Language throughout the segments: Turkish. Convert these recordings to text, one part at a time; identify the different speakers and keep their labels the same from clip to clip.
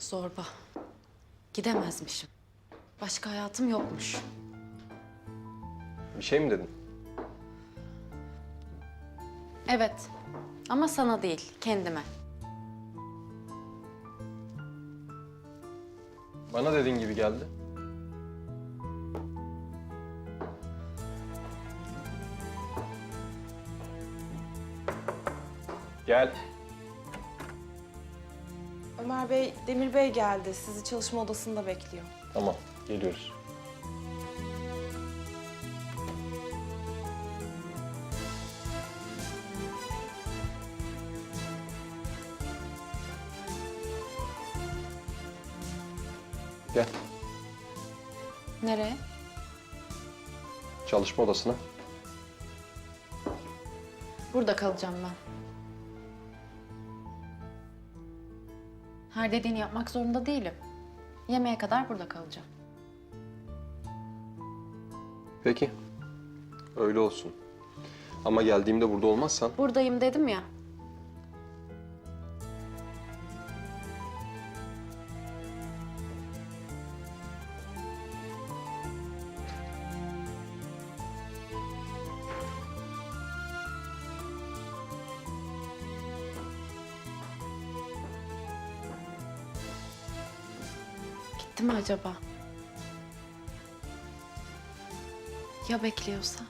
Speaker 1: Zorba. Gidemezmişim. Başka hayatım yokmuş.
Speaker 2: Bir şey mi dedin?
Speaker 1: Evet. Ama sana değil, kendime.
Speaker 2: Bana dediğin gibi geldi. Gel.
Speaker 3: Ömer Bey, Demir Bey geldi. Sizi çalışma odasında bekliyor.
Speaker 2: Tamam, geliyoruz. Gel,
Speaker 1: Nereye?
Speaker 2: çalışma odasına.
Speaker 1: Burada kalacağım ben. Her dediğini yapmak zorunda değilim. Yemeğe kadar burada kalacağım.
Speaker 2: Peki, öyle olsun. Ama geldiğimde burada olmazsan...
Speaker 1: Buradayım dedim ya. Gitti mi acaba? Ya bekliyorsa?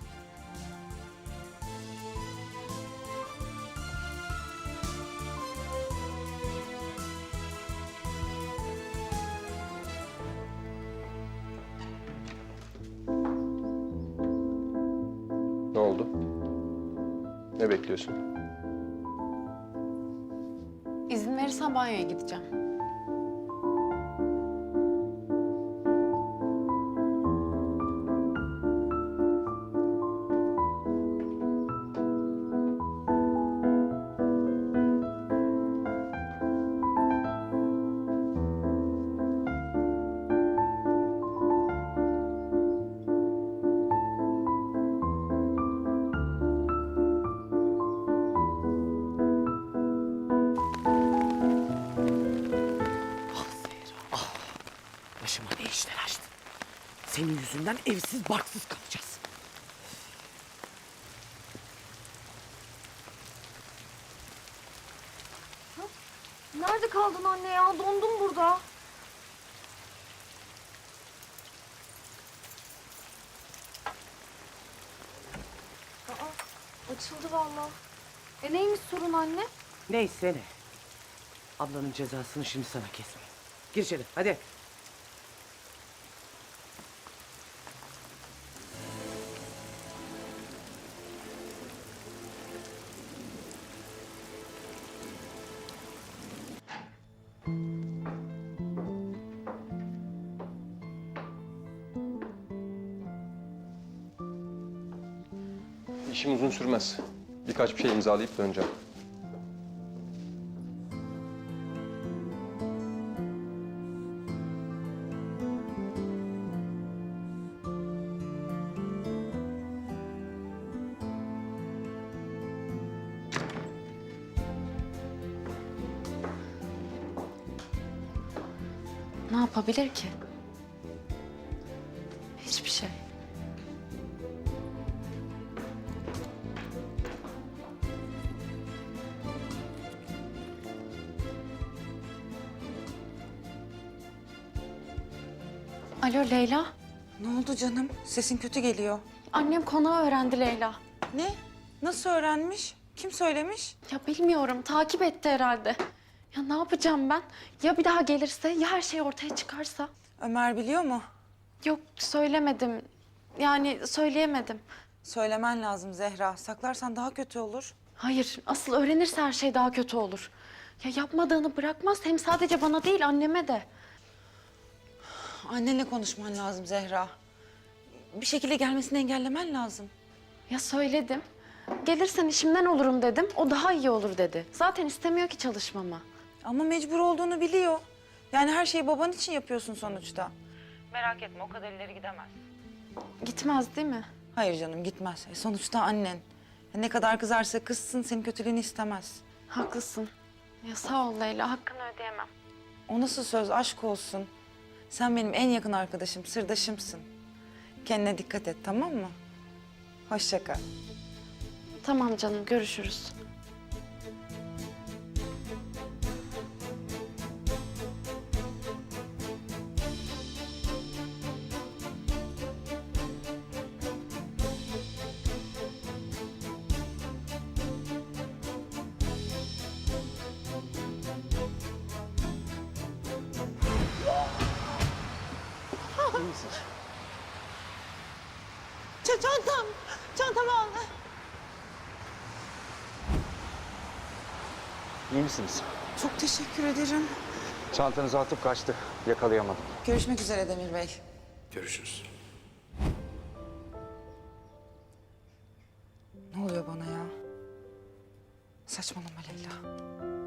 Speaker 2: Ne oldu? Ne bekliyorsun?
Speaker 1: İzin verirsen banyoya gideceğim.
Speaker 4: Başıma ne işler açtın? Senin yüzünden evsiz barksız kalacağız.
Speaker 5: Nerede kaldın anne ya? Dondum burada. Açıldı vallahi. Neymiş sorun anne?
Speaker 4: Neyse ne. Ablanın cezasını şimdi sana kesmeyin. Gir içeri hadi.
Speaker 2: İşim uzun sürmez. Birkaç bir şey imzalayıp döneceğim.
Speaker 1: Ne yapabilir ki? Hiçbir şey. Alo Leyla.
Speaker 6: Ne oldu canım? Sesin kötü geliyor.
Speaker 1: Annem konağı öğrendi Leyla.
Speaker 6: Ne? Nasıl öğrenmiş? Kim söylemiş?
Speaker 1: Ya bilmiyorum, takip etti herhalde. Ya ne yapacağım ben? Ya bir daha gelirse, ya her şey ortaya çıkarsa?
Speaker 6: Ömer biliyor mu?
Speaker 1: Yok, söylemedim. Yani söyleyemedim.
Speaker 6: Söylemen lazım Zehra. Saklarsan daha kötü olur.
Speaker 1: Hayır, asıl öğrenirse her şey daha kötü olur. Ya yapmadığını bırakmaz, hem sadece bana değil, anneme de.
Speaker 6: Annenle konuşman lazım Zehra. Bir şekilde gelmesini engellemen lazım.
Speaker 1: Ya söyledim. Gelirsen işimden olurum dedim, o daha iyi olur dedi. Zaten istemiyor ki çalışmamı.
Speaker 6: Ama mecbur olduğunu biliyor. Yani her şeyi baban için yapıyorsun sonuçta. Merak etme, o kadar ileri gidemez.
Speaker 1: Gitmez değil mi?
Speaker 6: Hayır canım, gitmez. Sonuçta annen. Ne kadar kızarsa kızsın, senin kötülüğünü istemez.
Speaker 1: Haklısın. Ya sağ ol Leyla, hakkını ödeyemem.
Speaker 6: O nasıl söz, aşk olsun. Sen benim en yakın arkadaşım, sırdaşımsın. Kendine dikkat et, tamam mı? Hoşça kal.
Speaker 1: Tamam canım, görüşürüz.
Speaker 6: Çantamı al.
Speaker 7: İyi misiniz?
Speaker 6: Çok teşekkür ederim.
Speaker 7: Çantanızı atıp kaçtı. Yakalayamadım.
Speaker 6: Görüşmek üzere Demir Bey.
Speaker 7: Görüşürüz.
Speaker 6: Ne oluyor bana ya? Saçmalama Leyla.